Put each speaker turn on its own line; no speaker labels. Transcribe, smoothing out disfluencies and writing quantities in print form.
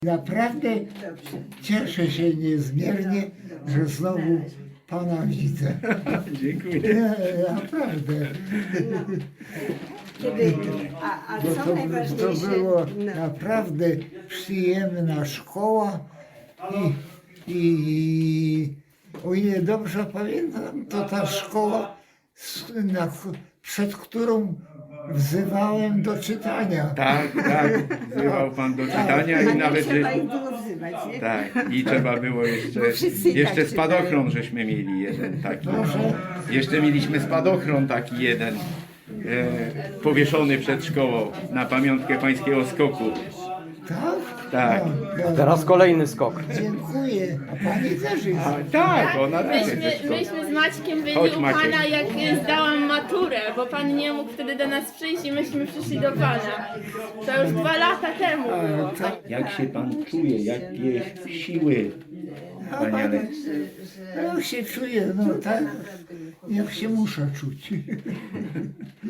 Naprawdę cieszę się niezmiernie, że znowu Pana widzę.
Dziękuję.
Nie, naprawdę.
Kiedy, a
Bo
co
to
najważniejsze,
było
no,
naprawdę przyjemna szkoła i o ile dobrze pamiętam, to ta szkoła, przed którą wzywałem do czytania.
Tak, wzywał pan do czytania
a
i
nie
nawet
trzeba ich było wzywać, nie?
tak, i trzeba było
Bo wszyscy i
jeszcze
tak
spadochron żeśmy mieli jeden taki.
Proszę.
Jeszcze mieliśmy spadochron taki jeden powieszony przed szkołą na pamiątkę pańskiego skoku.
Tak?
Tak.
No,
Teraz kolejny skok.
dziękuję. A Pani też jest.
Tak, ona też jest.
Myśmy z Maćkiem byli
Chodź,
u
Maciek.
Pana, jak zdałam maturę, bo Pan nie mógł wtedy do nas przyjść i myśmy przyszli do Pana. To już 2 lata temu było.
Jak się pan czuje, jakie siły, panie Aleks?
Jak się czuję, no tak, jak się muszę czuć.